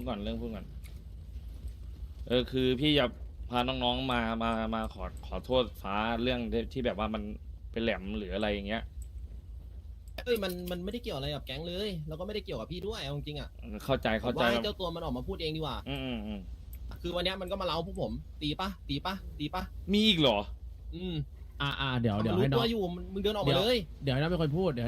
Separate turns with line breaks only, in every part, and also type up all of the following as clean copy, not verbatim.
ก่อนเรื่องพูดก่อนคือพี่จะพาน้องๆมาขอโทษฟ้าเรื่องที่แบบว่ามันเป็นแหลมหรืออะไรอย่างเงี้ย
เอ้ยมันไม่ได้เกี่ยวอะไรกับแก๊งเลยแล้วก็ไม่ได้เกี่ยวกับพี่ด้วยเอาจริงๆอ่ะ
เข้าใจ
ผมว่าให้เจ้าตัวมันออกมาพูดเองดีกว่า
อืม
คือวันเนี้ยมันก็มาเล่าพวกผมตีปะตีปะตีปะ
มีอีกเหรอ
อืม
เดี๋ยว
รู้
ให้น้อง
ตัวอยู่มึงเดินออกมาเลย
เดี๋ยวให้น้องเป็นคนพูด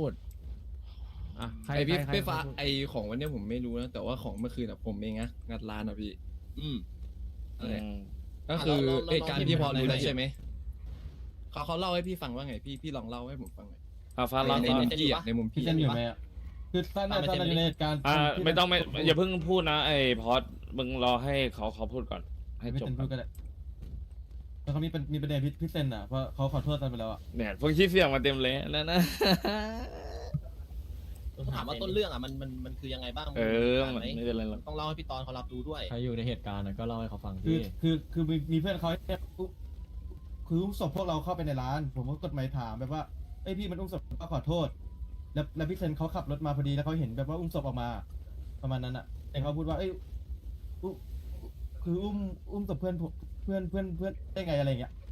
ใคร
ไอพี่
ใคร
พี่ฟ้าไอของวันเนี้ยผมไม่รู้นะแต่ว่าของเมื่อคืนอะผมเองนะงัดร้านอะพี่
อืม
นั่นแหละ
อืม
ก็คือ
แล้ว
เหตุการณ์พี่พอรู้
น้
แล้
อง
วใช่ไหมเขาเล่าให้พี่ฟังว่าไงพี่ลองเล่าให้ผมฟังหน่อย
ฟ้าร้อน
ใน
ก่อน
มุมพี่อะในมุม
พี่
พี่
เซนอยู่ไหมอ่ะคือท่านน่าจะอยู่ในเหตุการณ์
ไม่ต้องอย่าเพิ่งพูดนะไอ้พอดมึงรอให้เขาพูดก่อนให้
ไม่
จบ
เซน
ก่
พู
อ
ด
น
ก็ได้แล้วเขามีประเด็นพี่เซนอ่ะเพราะเขาขอโทษกันไปแล้วอ่ะ
เนี่ยพวกที่เสียงมาเต็มเลยแล้วนะ
ถามว่าต้นเรื่องอ่ะมันคือยังไงบ้าง
มัน
ไหม
ไม่เป็นไรหรอก
ต้องเล่าให้พี่ตอนเขารับรู้ด้วย
ใครอยู่ในเหตุการณ์ก็เล่าให้เขาฟัง
คือมีเพื่อนเขาเนี่ยคืออุ้มศพพวกเราเข้าไปในร้าน ผมก็กดไมค์ถามแบบว่าเอ้ยพี่มันอุ้มศพก็ขอโทษ แล้วพี่เซนเขาขับรถมาพอดีแล้วเขาเห็นแบบว่าอุ้มศพออกมา ประมาณนั้นอ่ะแต่เขาพูดว่าเอ้ยคืออุ้มศพเพื่อนได้ไงอะไรเงี้ย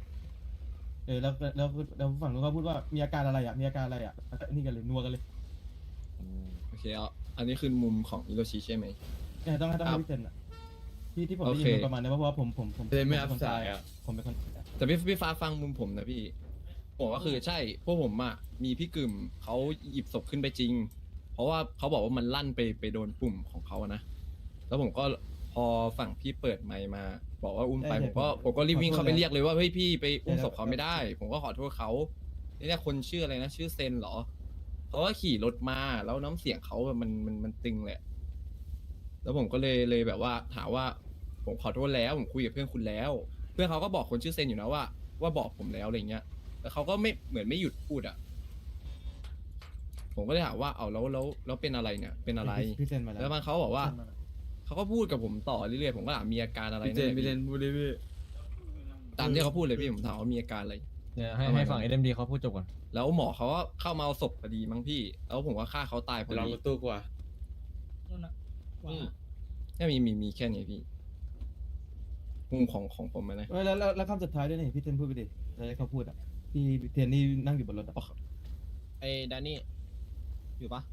แล้วฝั่งนู้นเขาพูดว่ามีอาการอะไรอ่ะมีอาการอะไรอ่ะนี่กันเลยนัวกันเลย
โอเคเอาอันนี้คือมุมของอิโรชิใช่ไหม
เนี่ยต้องให้พี่เซนอ่ะที่ผมได้ยิน
โอเค
มันประมาณนี้เพราะว่าผม
เลยไม่รับ
คน
สายอะ
ผมเป็นคน
แต่พี่ฟ้าฟังมุมผมนะพี่ผมก็คือใช่พวกผมอะมีพี่กึ่มเขาหยิบศพขึ้นไปจริง เพราะว่าเขาบอกว่ามันลั่นไปโดนปุ่มของเขาอะนะแล้วผมก็พอฝั่งพี่เปิดไมค์มา บอกว่าอุ้มไปผมก็รีบวิ่งเข้าไปเรียกเลยว่าเฮ้ยพี่ไปอุ้มศพเขาไม่ได้ ผมก็ขอโทษเขาเนี่ยคนชื่ออะไรนะชื่อเซนเหรอเขาก็ขี่รถมาแล้วน้ำเสียงเขาแบบมันตึงแหละ แล้วผมก็เลยแบบว่าถามว่าผมขอโทษแล้วผมคุยกับเพื่อนคุณแล้ว เพื่อนเขาก็บอกคนชื่อเซนอยู่นะว่าบอกผมแล้วอะไรเงี้ยแต่เขาก็ไม่เหมือนไม่หยุดพูดอ่ะผมก็เลยถามว่าเอาแล้วเป็นอะไรเนี่ยเป็นอะไร
พี่เซนมาแล้ว
แล้วมันเขาบอกว่าเขาก็พูดกับผมต่อเรื่อยๆผมก็ถามมีอาการอะไรเนี่ยพี่พูดเลยพี่ตามที่เขาพูดเลยพี่ผมถามว่ามีอาการอะไร
เนี่ยให้ฝั่ง SMD เขาพูดจบก่อน
แล้วหมอเขาก็เข้ามาเอาศพพอดีมั้งพี่ แล้วผมก็ฆ่าเขาตายพอ
ลอง
ดี
รถตู้กว่า
อืม
แค่มีแค่นี้พี่มุมของผมอะนะ
แล้วคำสุดท้ายด้วยนี่พี่เซนพูดไปดิแล้วเขาพูดอ่ะพี่เทียนนี่นั่งอยู่บนรถอ่ะ
ไอ้แดนนี่อยู่ปะ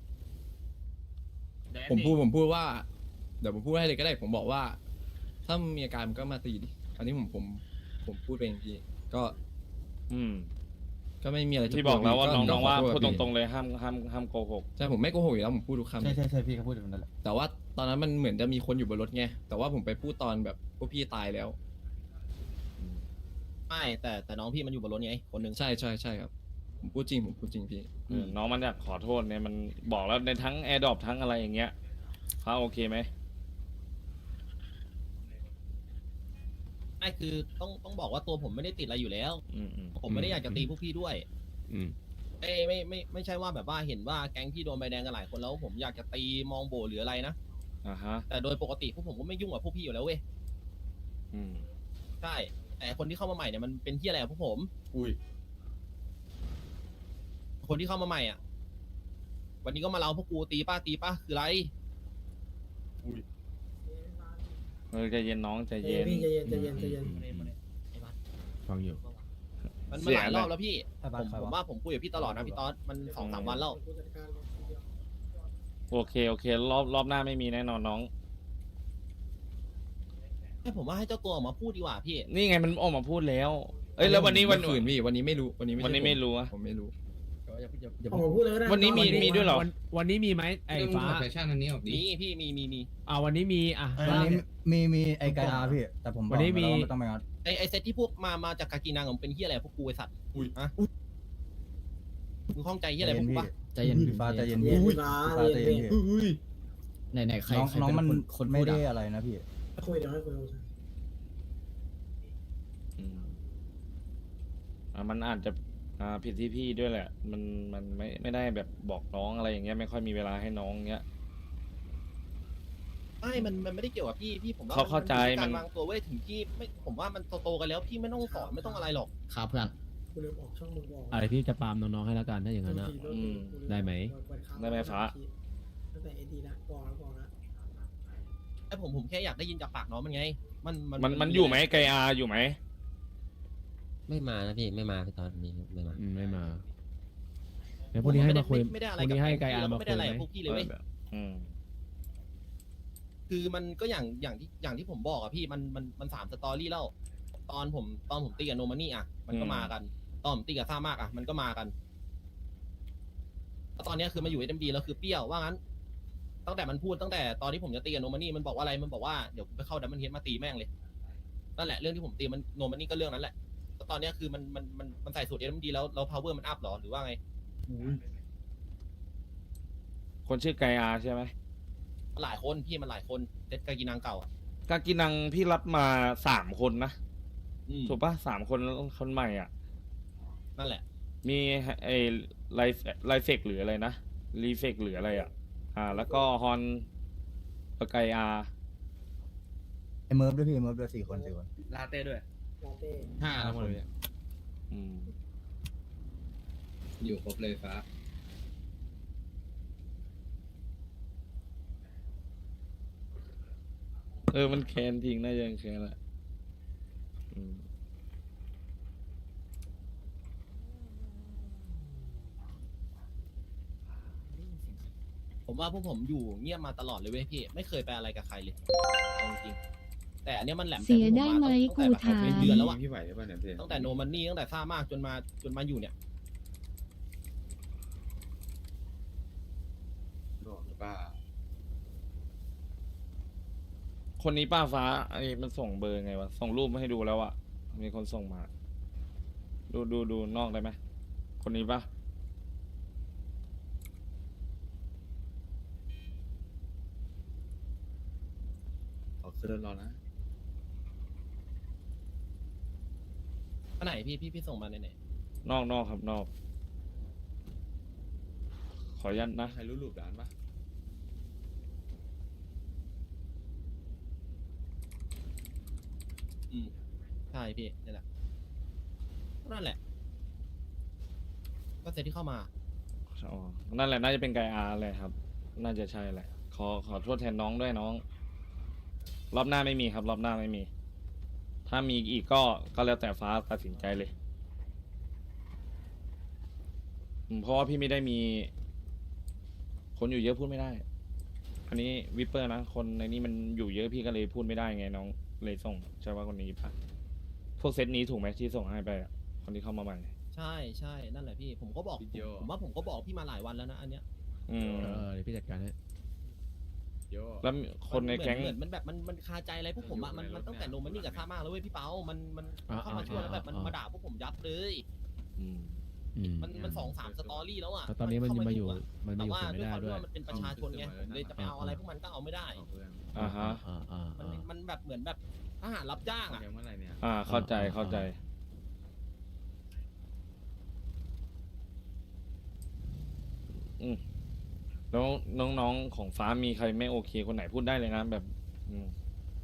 ผมพูดว่าเดี๋ยวผมพูดให้เลยก็ได้ ผมบอกว่า ถ้ามีอาการมันก็มาตีดิอันนี้ผมพูดเองพี่ก็
อืม
ก็ไม่มีอะไรจะ
ที่บอกแล้วว่า
พูด
น้องๆว่า
ขโทษ
พูดต
พี่
รงๆเลยห้ามโกหก
ใช่ผมไม่โกหกอยู่แล้วผมพูดทุกคำ
ใช่พี่เขาพูดแบบนั้นแหละ
แต่ว่าตอนนั้นมันเหมือนจะมีคนอยู่บนรถไงแต่ว่าผมไปพูดตอนแบบพวกพี่ตายแล้ว
ไม่แต่น้องพี่มันอยู่บนรถไงคนหนึ่ง
ใช่ครับผมพูดจริงพี่
น้องมันอยากขอโทษเนี่ยมันบอกแล้วในทั้งแอร์ดรอปทั้งอะไรอย่างเงี้ยฟ้าโอเคไหม
ไม่คือต้องบอกว่าตัวผมไม่ได้ติดอะไรอยู่แล้ว
อืม
ผมไม่ได้อยากจะตีพวกพี่ด้วย
อืม
ไม่ใช่ว่าแบบว่าเห็นว่าแก๊งพี่โดนใบแดงกันหลายคนแล้วผมอยากจะตีมองโบหรืออะไรนะ
ฮะ
แต่โดยปกติพวกผมก็ไม่ยุ่งกับพวกพี่อยู่แล้วเว้ย
อืม
ใช่แต่คนที่เข้ามาใหม่เนี่ยมันเป็นที่อะไรกับพวกผม
อุ้ย
คนที่เข้ามาใหม่อ่ะ วันนี้ก็มาเล่าพวกกูตีป้าคืออะไร
ใจเย็นน้องใจ
ใจ
เย็
เย็
น
นพี่ใจเย็น
ฟังอยู่
มัน
เสี
ห
ย
ลาย
นะ
รอบแล้วพี่ผมว่าผมคุยกับพี่ตลอดนะพี่ต๊อดมัน2-3 วันแล้ว
โอเครอบหน้าไม่มีแน่นอนน้อง
ให้ผมว่าให้เจ้าตัวออกมาพูดดีกว่าพี่
นี่ไงมันออกมาพูดแล้ว เอ้ยแล้ววันนี้วัน
เมื่อคืนพี่วันนี้ไม่รู้วันนี้
วันนี้ไม่รู้อะ
ผมไม่รู้
ผมพูดเลยก็ได้
วันนี้มีด้วยเหรอ
วันนี้มีไหมไอ้ฟ้า
แฟชั่นอันนี้ออกดี
มีพี่มี
วันนี้มี
วันนี้มีไอ้ไกอาพี่แต่ผมบอก
วันนี้มี
แล้วว่าไม่ต้องไปงัด
ไอเซตที่พวกมาจากกากีนังผมเป็นที่อะไรพวกกูไอสัตว์ฮะมึงข้องใจที่อะไรพวกกูปะ
ใจเย็นพี่ฟ้าใจเย็น
เย็
พี่
นฟ้า
ฟ้าใจเย็นพี่
ไหนใคร
น้องมันไม่ได้อะไรนะพี่
คุยเดี๋ยวให้คุย
มันอาจจะผิดที่พี่ด้วยแหละ มันไม่ได้แบบบอกน้องอะไรอย่างเงี้ยไม่ค่อยมีเวลาให้น้องเงี้ย
ไม่มันไม่ได้เกี่ยวกับพี่ผมว่า
เขาเข้าใจ
กา
มั
ร
น
วางตัวเว้ยถึงที่ไม่ผมว่ามันโตๆกันแล้วพี่ไม่ต้องสอนไม่ต้องอะไรหรอก
ครับเพื่อน
คุณลืมออกช่องมึงบอก
อะไรพี่จะปาล์มน้องๆให้แล้วกันถ้าอย่างนั้นนะ ได้ไหม
ได้ไหมฟ้า
ตั้งแต่เอดีนะบอกแล้ว
ไอ้ผมแค่อยากได้ยินจากปากน้องมันไง
มันอยู่ไหมไกอาอยู่ไหม
ไม่มานะพี่ไม่มาพี่ตอนนี้ไม่มา
ไม่มาเดี๋ยวพรุ่งนี้ให้มาคุย
ไม่ได้อะไร
พรุ่งนี้ให้ไกอา
แล้ว
มา
ไม่
คุ
ได้
ย
อะไร
ไหม
กับพวกพี่เลยเว้ย
อืม
คือมันก็อย่างที่ผมบอกอะพี่มัน3 สตอรี่แล้วตอนผมตีกับโนมานี่อะมันก็มากัน ตอนผมตีกับซ่ามากอะมันก็มากันแล้วตอนเนี้ยคือมาอยู่ SMD แล้วคือเปรี้ยวว่างั้น ตั้งแต่มันพูดตั้งแต่ตอนที่ผมจะตีกับโนมานี่มันบอกว่าอะไรมันบอกว่าเดี๋ยวไปเข้าดัมเบิลเฮดมาตีแม่งเลยนั่นแหละเรื่องที่ผมตีมันโนมานี่ก็เรื่องนั้นแหละแล้วตอนเนี้ยคือมันใส่สูตร SMD แล้ว power มันอัพหรอหรือว่าไง
คนชื่อไกอาใช่ไหม
มันหลายคนพี่มันหลายคนเด็ดกากีนางเก่าอะ
กากินังพี่รับมา3 คนนะ
อืม
ถูกปะ3 คนแล้วคนใหม่อ่ะ
นั่นแหละ
มีไอ้ไลเฟกหรืออะไรนะรีเฟกหรืออะไรอ่ะ แล้วก็ฮอนไกอา
ไอเมิร์ฟด้วยพี่เมิร์ฟด้วย4 คน
ลาเต้ด้วย
ลาเต้
5ทั้งหมดเลย
อืม
อยู่ครบเลยฟ้า
มันแคนจริงน่าจะยังแคนแหละอืม
ผมว่าพวกผมอยู่เงียบมาตลอดเลยเว้ยพี่ไม่เคยไปอะไรกับใครเลยเอาจริงๆแต่อันเนี้ยมันแหลม
เสียได้ไหม
ตั้งแต่
กูถาม
เป็นเดือนแล้วอะ
พี่ไหวหรือเปล่าเนี่ยพี่
ตั้งแต่โนมันนี่ตั้งแต่ซ่ามากจนมาอยู่เนี่ย
บอกหรือเปล่า
คนนี้ป้าฟ้าไอ้มันส่งเบอร์ไงวะส่งรูปมาให้ดูแล้วอะมีคนส่งมา ดูนอกได้ไหมคนนี้ปะ
ขอขึ้นรถรอนะ
อันไหนพี่ส่งมาไหน
นอกครับนอก ขอยันนะ
ใครรู้รูปร้านปะ
อืมใช่พี่นี่แหละนั่นแหละ ก็เซตที่เข้ามา
อ๋อนั่นแหละน่าจะเป็นไกอาเลยครับ น่าจะใช่แหละ ขอโทษแทนน้องด้วยน้อง รอบหน้าไม่มีครับ รอบหน้าไม่มี ถ้ามีอีกก็แล้วแต่ฟ้าตัดสินใจเลยเพราะว่าพี่ไม่ได้มี คนอยู่เยอะพูดไม่ได้ อันนี้วิปเปอร์นะ คนในนี้มันอยู่เยอะพี่ก็เลยพูดไม่ได้ไงน้องเลยส่งใช่ว่าคนนี้ปะพวกเซตนี้ถูกไหมที่ส่งให้ไปอะคนที่เข้ามาใหม่
ใช่นั่นแหละพี่ผมก็บอกผมว่าผมก็บอกพี่มาหลายวันแล้วนะอันเนี้ย
อืม
เดี๋ยวพี่จัดการให้
โย
แล้วคนในแก๊ง
เหมือนมันแบบมันคาใจอะไรพวกผมอะมันตั้งแต่โนมันนี่กับซ่ามากแล้วเว้ยพี่เปามันเข้ามาช่วยแล้วแบบมันมาด่าพวกผมยับเลย
อืม
มัน2-3 สตอรี่แล้วอ่ะ
แล้วตอนนี้มันมาอยู่
เข้า
มัน
แต่
มาอยู่
ว่า
เสีย
ด้วย
ไม่
ความ
ได้ด้วย
ที่ว่ามันเป็นประชาชนไงผมเลยจะไปเอาอะไรพวกมันก็เอาไม่ได้
เอาเพื่อน
อ่าฮะ
มันแบบเหมือนแบบทหารรับจ้างอ่ะ
ยังเมื่อไหร่เนี่ย
เข้าใจอืมแล้วน้องๆของฟ้ามีใครไม่โอเคคนไหนพูดได้เลยนะแบบ อืม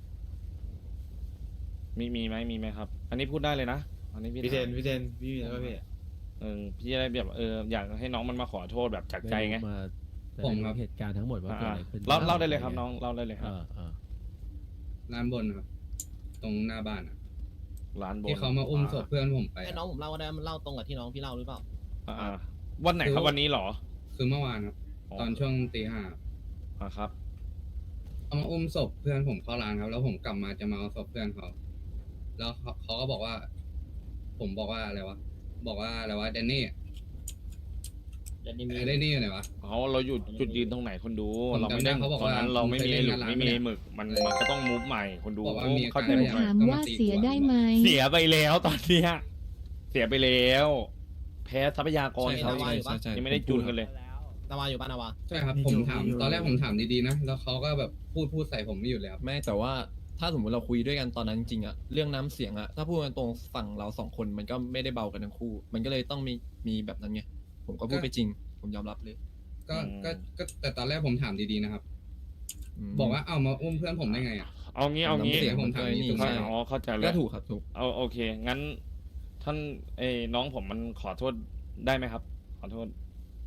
มีไหมครับ อันนี้พูดได้เลยนะอันนี้พี่
พี่เทน
ถาม
พี่มีแล้วพี่
พี่จะได้แบบอยากให้น้องมันมาขอโทษแบบจากใจไง
มา
ผมครับ
เหตุการณ์ทั้งหมดว่าเกิดอะไรขึ้น
เล่าได้เลยครับน้องเล่าได้เลยครับ
ร้านบนครับ ตรงหน้าบ้านอะ
ร้านบน
ที่เขามาอุ้มศพเพื่อนผมไป
ให้น้องผมเล่าก็ได้มันเล่าตรงกับที่น้องพี่เล่าหรือเปล่า
วันไหนครับวันนี้เหรอ
คือเมื่อวานครับ ตอนช่วงตี 5
ครับ
เขามาอุ้มศพเพื่อนผมเข้าร้านครับ แล้วผมกลับมาจะมาเอาศพเพื่อนเขาแล้วเขาก็บอกว่า ผมบอกว่าอะไรวะบอกว่าอะไรวะแดนนี่แดนนี่อยู่ไหนวะ
เราอยู่จุดยืนตรงไหนคนดู
ผม
เราไม่ได้
จำได้เขาบอก
ตอนนั้น
ว่า
เราไม่มี
ผมเคย
ห
เล่
มึ
น
ก
งาน
ไม่มี
ร้าน
หมึกมันก็ต้องมูฟใหม่คนดู
บอกว่ามี
เข้าใจ
การ
ผมไหม
ถามว่าเสียได้ไหม
เสียไปแล้วตอนเนี้ยเสียไปแล้ว แพ้ทรัพยากร
ใช่
เขา
ใช่
ยังไม่ได้จูนกันเลย
นาวาอยู่ปะนาวา
ใช่ครับผมถามตอนแรกผมถามดีๆนะแล้วเขาก็แบบพูดใส่ผมไม่หยุดเลยครับ
ไม่แต่ว่าถ้าสมมติเราคุยด้วยกันตอนนั้นจริงๆอะเรื่องน้ำเสียงอะถ้าพูดกันตรงฝั่งเราสองคนมันก็ไม่ได้เบากันทั้งคู่ มันก็เลยต้องมีแบบนั้นไงผมก็พูดไปจริง ผมยอมรับเลย
ก็แต่ตอนแรกผมถามดีๆนะครับ
ม
บอกว่าเอามาอุ้มเพื่อนผมได้ไงอ่ะ
เอางี้
น้ำเสียง
ผมถามนี่
ใช่
เข้าใจแล้
ก็
ว
ถูกครับถูก
โอเค งั้น ท่านน้องผมมันขอโทษได้ไหมครับ ขอโทษ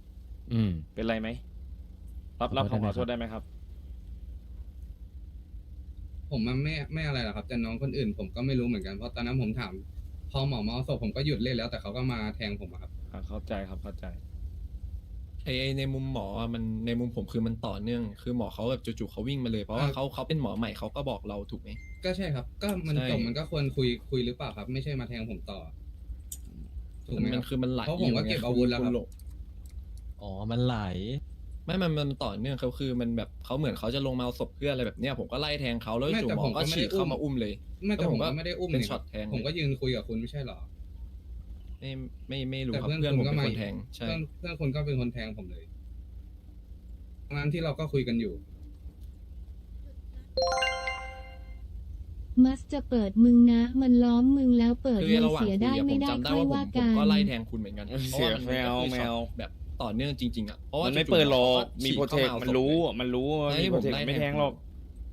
เป็นไรไหมรับ
ขอโทษ
คำขอโทษ
ได้
ได้
ไห
ไห
ม
มครับ
ผมมันไม่อะไรหรอกครับแต่น้องคนอื่นผมก็ไม่รู้เหมือนกันเพราะตอนนั้นผมถามพอหมอมาเอาศพผมก็หยุดเล่นแล้วแต่เขาก็มาแทงผมอะครับ
เข้าใจครับเข้าใจ
ไอในมุมหมออะมันในมุมผมคือมันต่อเนื่อง คือหมอเขาแบบจู่ๆเขาวิ่งมาเลยเพราะว่าเขาเป็นหมอใหม่เขาก็บอกเราถูกไหม
ก็ใช่ครับ ก็มัน
ใช่
จบมันก็ควรคุยหรือเปล่าครับ ไม่ใช่มาแทงผมต่อถูกไหม
มั
คน รับ
คือมันไหล
เพราะผมก็เก็บอาวุธแล้วครับ
ณหลง
อ๋อ มันไหล
ไม่มันต่อเนื่องเขาคือมันแบบเขาเหมือนเขาจะลงมาเอาศพเพื่อนอะไรแบบเนี้ยผมก็ไล่แทงเขาแล้ว
ไม่
จู่
แต่
หมอ
ผมก็
ก็
ไม่
ฉี
ได้
กเข้ามาอุ้มเลย
ไม่แต่
แล้ว
ผมก็ไม่ได้อุ้ม
เป็น
นี่
ช็อตแทง
ผมก็ยืนคุยกับคุณไม่ใช่เหรอ
ไม่รู้
แต่
ครับ
เพื่อน
เพื่อนผม
คุณก็
เป็น
มา
คนแทงใช่
เพื่อนคุณก็เป็นคนแทงผมเลยงั้นที่เราก็คุยกันอยู่
มัสจะเปิดมึงนะ มันล้อมมึงแล้วเปิด
คือ
เลย
ระหว่าง
เสีย
คุ
ได้
ยอะผ
ไม่
ม
ได้
จำได้
ค่อย
ว่า
ว่า
ผม
กัน
ก็ไล่แทงคุณเหมือนกันเพราะว่ามัน
แมว
ก็คือ
แม
ช็อ
ว
ตแบบต่อเนื่องจริงๆอ่ะเพราะว่า
มันไม่
จู่ๆ
เปิดหรอก
ห
มี
ฉี
โปร
ก
เท
ข้า
ค
มา
มัน
เอาศพ
รู้
เลย
มันรู้ว่า
ใช่
มีโปรเทค
ผมไล่
ไม่
แท
แท
ง
งหรอก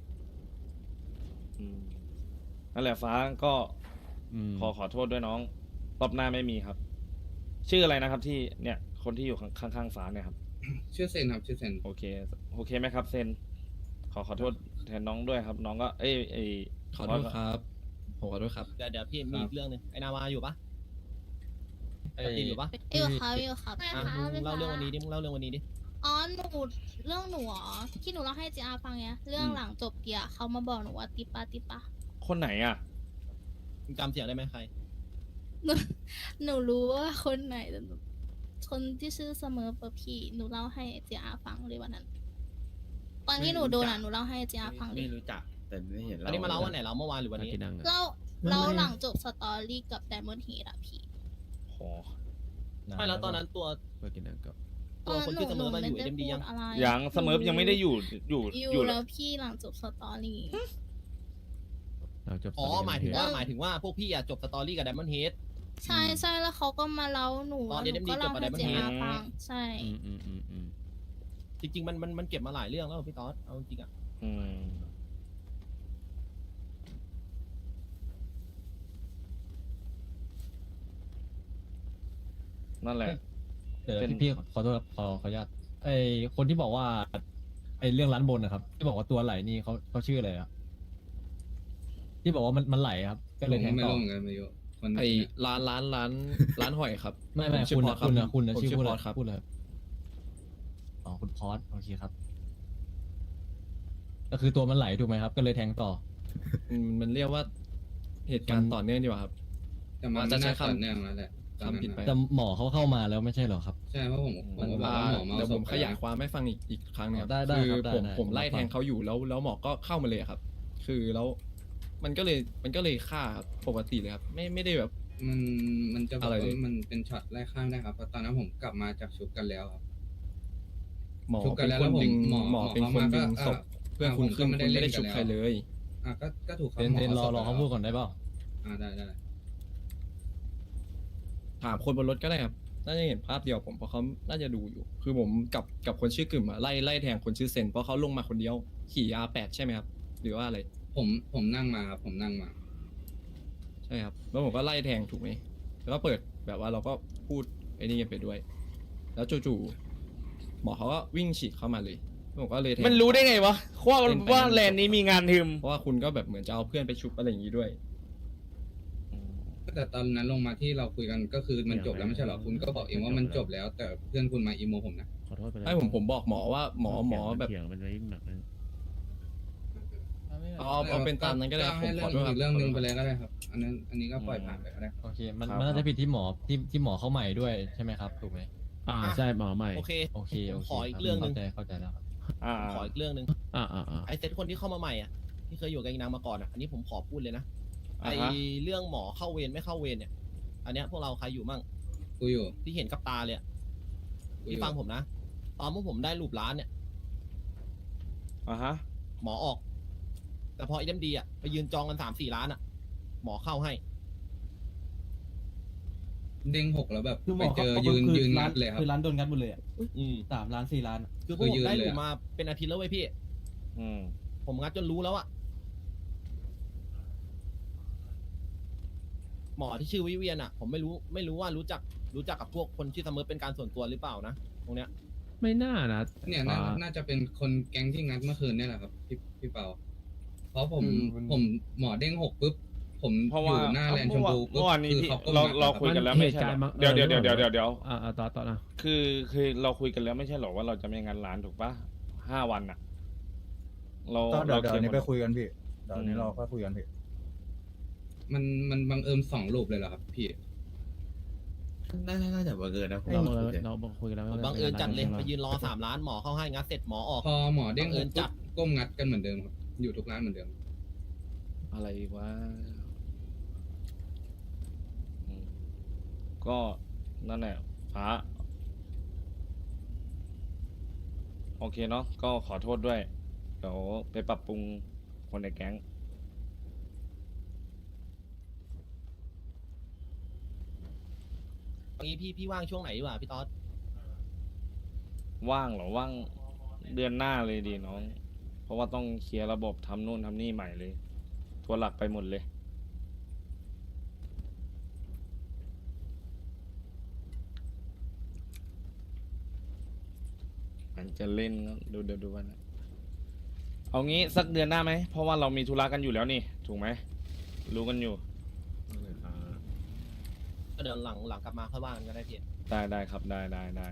นั่นแหละฟ้าก็ ขอโทษด้วยน้องรอบหน้าไม่มีครับ ชื่ออะไรนะครับที่เนี่ย คนที่อยู่ข้างๆฟ้าเนี่ยครับ
ชื่อเซนครับชื่อเซน
โอเคไหมครับเซนขอโทษแทนน้องด้วยครับ น้องก็
ขอโทษครับผมขอโทษครับ
เดี๋ยวพี่มีอีกเรื่องหนึงไอ้นาวาอยู่ปะไอ้ตีอยู่ปะ
อยู่ครับ
อ่ะมึงเล่าเรื่องวันนี้ดิมึงเล่าเรื่องวันนี้ดิ
อ๋อหนูเรื่องหนูอ๋อที่หนูเล่าให้จีอาฟังเนี้ยเรื่องหลังจบเกียร์เขามาบอกหนูว่าติปะ
คนไหนอ่ะ
มึงจำเสียงได้ไหมใคร
หนูรู้ว่าคนไหนแต่หนูคนที่ชื่อเสมอปะพี่หนูเล่าให้จีอาฟังเลยวันนั้นตอนที่หนูโดนอ่ะหนูเล่าให้จีอาฟังเลย
ไม่รู้จักแต่ไม่เห็น
อันนี้มาเล่าวันไหนเล่าเมื่อวานหรือวันนี้
ที่นั่งอะ
เล่าหลังจบสตอรี่กับไดมอนด์เฮดอะพี่
โห
ไม่แล้วตอนนั้นตัว
เมื่อกี้นั่งก็
ตัวคนที่เสมอมาอยู่
ไได้
เอ็มดียัง
พูอะไร
ยังเสมอยังไม่ได้อยู่
อยู่แล้วพี่หลังจบสตอรี่
เราจบ
อ๋อ
ตน
หมายถึงว่าพวกพี่อะจบสตอรี่กับไดมอนด์เฮด
ใช่แล้วเขาก็มาเล่าหนู
ตอน
หนู
NMD
ก็เล่า
จบกับ
ให้
Diamond
จีอา
Head
ฟังใช่
อืม
จริงๆมันเก็บมาหลายเรื่องแล้วพี่ต๊อดเอาจริงๆอะ
อืมนั่นแหละ
เดี๋ยว
เป็น
พี่ขอโทษครับขออนุญาตไอคนที่บอกว่าไอเรื่องร้านบนนะครับ ที่บอกว่าตัวไหลนี่เขาชื่ออะไรอะที่บอกว่ามันไหลครับ ก็เลยแทง
ไม่
ต่อ
รู้เหมือนกันไม่รู้คน
ไอร้านหอยครับ
ไม่
ผมชื่
คุณ
พ
นะ
อสรับ
คุณนะ
ผม
ชื่อ
ชื่อ
พูด
พ
เล
อย สครับ
พูดเลยอ๋อคุณพอสโอเคครับ ก็คือตัวมันไหลถูกไหมครับ ก็เลยแทงต่อ
มันเรียกว่าเหตุการณ์ต่อเนื่องดีกว่าครับ
แต่มัน
จะ
ไม่
ใช้
น่า
คำ
ต่อเนื่องแล้วแหละตอนนั้น
คำผิดไป
อะ
แต่หมอเขาเข้ามาแล้วไม่ใช่เหรอครับ
ใช่เพราะผมก็บอกว่าหมอมา
เดี๋ยว
เอาศ
ผ
พ
ม
ไป
ขยาย
แล้ว
ความให้ฟังอีกครั้งหนึงครับ
ได้
คือ
ครับได้
ผม
ได้
ผมไล่
ผมรับ
แทงเขาอยู่แล้วหมอก็เข้ามาเลยครับ คือแล้วมันก็เลยฆ่าครับปกติเลยครับไม่ได้แบบ
มันจะบอก
อะไร
ว่า
เลย
มันเป็นช็อตไล่ข้ามได้ครับเพราะตอนนั้นผมกลับมาจากชุบกันแล้วครับ
หมอ
ชุบกัน
เป็น
แล้ว
คน
แล้วผม
ดึง
หมอ
หมอเป็นคน
เขามา
ดึง
ก็
ศพเพื่อนคุณ
ผมก็
ขึ้น
ไม่
คุณ
ได้
ไม่ได้
เล่นกัน
ชุบใคร
แล้ว
เลย
ก็ถูกครับ
เทน
หมอ
รอ
ศพ
เขา
ไปแล้ว
พูดก่อนได้เปล่า
ได้
ถามคนบนรถก็ได้ครับน่าจะเห็นภาพเดียวผมเพราะเขาน่าจะดูอยู่ คือผมกับคนชื่อกึ่มอะไล่แทงคนชื่อเซนเพราะเขาลงมาคนเดียวขี่ R8 ใช่ไหมครับ หรือว่าอะไร
ผมนั่งมาครับผมนั่งมา
ใช่ครับแล้วผมก็ไล่แทงถูกไหมแล้วก็เปิดแบบว่าเราก็พูดไอ้นี่กันไปด้วย แล้วจู่ๆหมอเขาก็วิ่งฉีกเข้ามาเลยผมก็เลยแทง
มันรู้ได้ไงวะว่า
เล่นไป
ว่าแลนด์นี้มีงานทึม
เพราะว่าคุณก็แบบเหมือนจะเอาเพื่อนไปชุบอะไรอย่างนี้ด้วย
แต่ตอนนั้นลงมาที่เราคุยกันก็คือมันจบแล้วไม่ใช่เหรอคุณก็บอกเองว่ามันจบแล้ว แต่เพื่อนคุณมาอีโมผมนะ
ขอโทษไปเลย
ให้ผมบอกหมอว่าหมอแบบ
เถียงมันไว้อีกหนักนึง
เอาเป็นตามนั้นก็ได้ครับผมขอโทษครับ
อีกเรื่องหนึงไปเลยก็ได้ครับ อันนี้ก็ปล่อยผ่านไปก็ได้
โอเค มัน
ครับ
มันน่าจะผิดที่หมอที่หมอเข้าใหม่ด้วยใช่ไหมครับ ถูกไหมใช่หมอใหม่
โอเค
โอเค
ผมขออีกเรื่องหนึง
เข้าใจแล้วครับ
ผมขออีกเรื่องหนึง
อ่า
ไอเซตคนที่เข้ามาใหม่อ่ะที่เคยอยู่กับอีนางมาก่อนอ่ะอันนี้ผมขอพูดเลยนะไอ
อ่าฮะ
เรื่องหมอเข้าเวรไม่เข้าเวรเนี่ย อันเนี้ยพวกเราใครอยู่มั่ง
กูอยู่
ที่เห็นกับตาเลยอะ
กูอ
ที่
ยู่
ฟังผมนะ ตอนพวกผมได้รูปร้านเนี่ย
อ่ะฮะ
หมอออก แต่พอไอเดมดีอ่ะไปยืนจองกัน3-4 ล้านอ่ะ หมอเข้าให้
เด้ง6แล้วแบบ
คือหม
ไป
อ
เจอ
เขา
ยืน
ร้า
งัดเลยครับ
คือร้านโดนงัดหมดเลยอ่ะ
อืม
3 ล้าน 4 ล้านอะ
คือพวกผ
ยื
ม
น
ได้
เลย
รู
อะ
มาเป็นอาทิตย์แล้วเว้ยพี่
อืม
ผมงัดจนรู้แล้วอะหมอที่ชื่อวิเวียนอะผมไม่รู้ว่ารู้จักกับพวกคนชื่อเสมอเป็นการส่วนตัวหรือเปล่านะตรงเนี้ย
ไม่น่านะ
เนี่ยน่าจะเป็นคนแก๊งที่งัดเมื่อคืนเนี่ยแหละครับพี่เปาเพราะผมหมอเด้ง6ปุ๊บผม
เพราะ
อ
ว่า
ยู่หน้าแลนด์ชมพูปุ๊บ
เมื่อวานนี้
คือ
พี่
เขาก้ม
เรา
งัด
เรา
อะ
คุยกันแล้ว
มัน
ไม่ใช่เหรอ
เหตุการณ์
เดี๋ยว
ต่อนะ
คือเราคุยกันแล้วไม่ใช่เหรอว่าเราจะไม่งานร้านถูกปะ5 วันอะเรา
ก็เดี๋ยว
เรา
นี้
ร์
ไปคุยกันพี่เดี๋ยวนี้เราก็คุยกันพี่
มันบังเอิญ2 รูปเลยเหรอครับพี่
น่าจะบังเอิญนะผม
เราคุยกันแล้ว
ผมบังเอิญจัดเลยไปยืนรอ3 ล้านหมอเข้าให้งัดเสร็จหมอออก
พอหมอเด้ง
บังเอิญ
6
จั
ปุ๊
ด
บก้มงัดกันเหมือนเดิมครับอยู่ทุกร้านเหมือนเดิม
อะไรวะอืมก็นั่นแหละฟ้าโอเคเนาะก็ขอโทษด้วย เดี๋ยวไปปรับปรุงคนในแก๊ง
งี้พี่ว่างช่วงไหนดีกว่าพี่ต๊อด
ว่างเหรอว่างเดือนหน้าเลยดีน้อง เพราะว่าต้องเคลียร์ระบบทำนู่นทำนี่ใหม่เลยทัวร์หลักไปหมดเลย มันจะเล่นก็ดูวันนะเอางี้สักเดือนหน้าไหม เพราะว่าเรามีธุระกันอยู่แล้วนี่ ถูกไหม รู้กันอยู่
ก็เดี๋ยวหลังกลับมาค่อยว่ากันก็ได้พี่
ได้ครับได้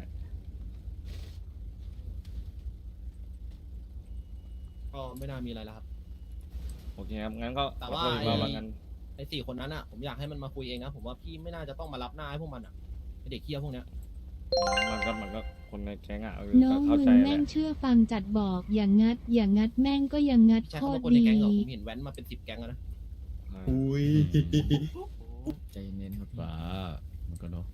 ก็ไม่น่ามีอะไรแล้วครับ
โอเคครับ งั้นก็
แต่
ขอ
ว่า
โทษอีกรอบแล้วกัน
ไอ้4 คนนั้นอ่ะผมอยากให้มันมาคุยเองนะผมว่าพี่ไม่น่าจะต้องมารับหน้าให้พวกมันอ่ะไอ้เด็กเคี้ยพวกเนี้ย
มันก็คนในแก๊งอ่ะ
น้อง
เข้า
มึ
ใจ
ง
แห
แม่
ละ
งเชื่อฟังจัดบอกอย่างงัดแม่งก็ยังงัด
ใช่
โค
คำ
ต
ว่าร คนใน
ดี
แก๊งเหรอผมเห็นแว้นมาเป็น10 แก๊งแล้วนะ
อุ้ย
ใจเย็นครับฟ้ามันก็เนาะ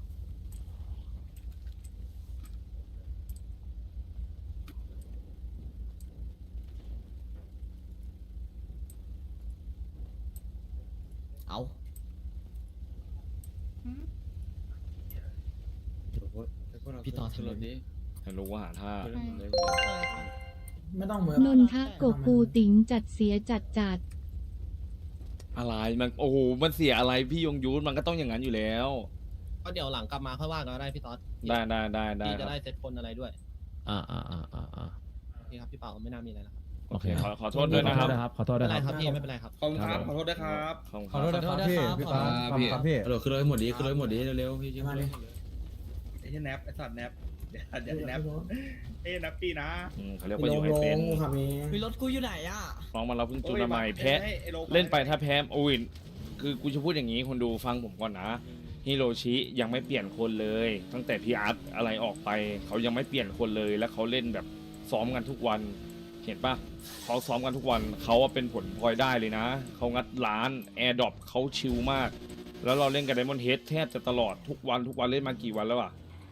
เอา พี่ต่อทำแบบนี้
ให้รู้ว่าหาท่า
ไม่ต้องเหมือน
นนทโกกูติ๋งจัดเสียจัด
อะไรมันโอ้โหมันเสียอะไรพี่ยงยุทธมันก็ต้องอย่างนั้นอยู่แล้ว
ก็เดี๋ยวหลังกลับมาค่อยว่ากันก็ได้พี่ต๊อด
ได้
พี่
ค
จะ
รับ
ได้เซตคนอะไรด้วย
อ่า
โอเคครับพี่เปาไม่น่ามีอะไรแล้วครับ
โอเคขอโทษด้วยนะครับ
ขอโทษ
ไม่
ด้ว
เป็
ย
นไร
ครับ
ครับพี่ไม่เป็นไรครับ
ขอบคุณครับขอโทษด้วยครับ
ขอบคุณ
ขอโทษนะครับพี่พี่ตาขอบคุณครับพี่
เดี๋ยวขึ้นรถให้หมดดีขึ้นรถให้หมดดีเร็วๆพี่
มาเลย
ไอ้แนปไอ้สัตว์แนปเดี๋ยวแนปไอ้แนปปี้นะ
เขาเรียกว่าอยู่ให้เป็น
ขับเอง
มีรถกูอยู่ไหนอ่ะ
น้องมันเราเพิ่งจูนมาใหม่แพ้เล่นไปถ้าแพ้โอ้ยคือกูจะพูดอย่างนี้คนดูฟังผมก่อนนะฮิโรชิยังไม่เปลี่ยนคนเลย ตั้งแต่พี่อาร์ตอะไรออกไปเขายังไม่เปลี่ยนคนเลยแล้วเขาเล่นแบบซ้อมกันทุกวัน เห็นปะเขาซ้อมกันทุกวันเขาเป็นผลพลอยได้เลยนะเขางัดร้านแอร์ดรอปเขาชิลมาก แล้วเราเล่นกับไดมอนด์เฮดแทบจะตลอดทุกวันเล่นมากี่วันแล้วอะ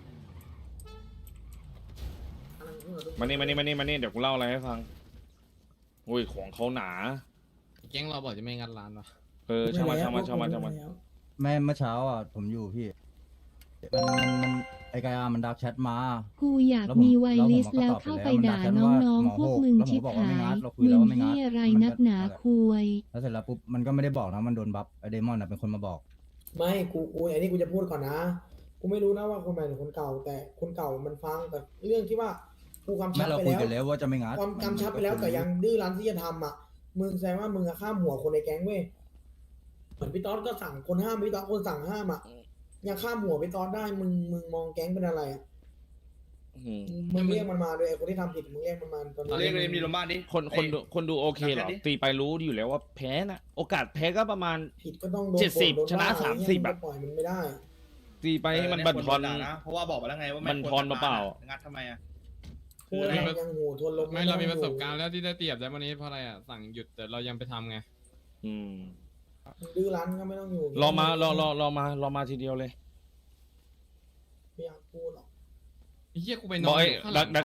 มานี่เดี๋ยวกูเล่าอะไรให้ฟังโอ้ยของเขาหนา
แก๊งเราบอกจะไม่งัดร้านวะ
ช่างมัน
แม่เมื่อเช้าอ่ะผมอยู่พี่มันไอกายามันดักแชทมา
ๆ กูอยากมีไวลิสแล้วเข้าไปด่าน้องๆพวกมึงชิบหายมึงที่อะไรนักหนาคุย
แล้วเสร็จแล้วปุ๊บมันก็ไม่ได้บอกนะมันโดนบัฟไอเดมอนอ่ะเป็นคนมาบอก
ไม่กูอันนี้กูจะพูดก่อนนะกูไม่รู้นะว่าคนใหม่หรือคนเก่า แต่คนเก่ามันฟังแต่เรื่องที่ว่ากูกำชั
แม่
บ
เรา
ไป
คุย
แล้ว
กันแล้วว่าจะไม่งัด
ความกำชับไปแล้วแต่ยังดื้อรั้นที่จะทำอ่ะมึงแสดงว่ามึงอะข้ามหัวคนในแก๊งเว้ยเหมือนพี่ต๊อดก็สั่งคนห้ามพี่ต๊อดคนสั่งห้ามอ่ะยังข้ามหัวพี่ต๊อดได้มึงมองแก๊งเป็นอะไรอ่ะมึงเรียกมันมาด้วยไอ้คนที่ทำผิดมึงเรียกมันมาตอนนี้
เรียกเลยมีโรงพยาบาลดิ
คนดูโอเคเหรอตีไปรู้อยู่แล้วว่าแพ้นะโอกาสแพ้ก็ประมาณ
ผิดก็ต้องโดน
70
โดว่า
ชนะ
อะไรเงี้ย
30
มึง
อะ
ก็ปล่อยมันไม่ได้
ตีไปให้มันบั่นทอน
นะเพราะว่าบอกไปแล้วไงว่า
บั่นทอนเปล่า
งัดทำไมอ่ะ
พูดอะไรยังหูทวนลม
ไม่เรามีประสบการณ์แล้วที่ได้เตียบได้วันนี้เพราะอะไรอ่ะสั่งหยุดแต่เรายังไปทำไง
อืม
มึงดื้อรั้นก็ไม่ต้องอยู่
รอมาทีเดียวเลย
ไม่อยากพูดหรอก
ไอ้เหี้ยกูไปน
บ
อ
อน กไอ้
อยู่ข้างหลัง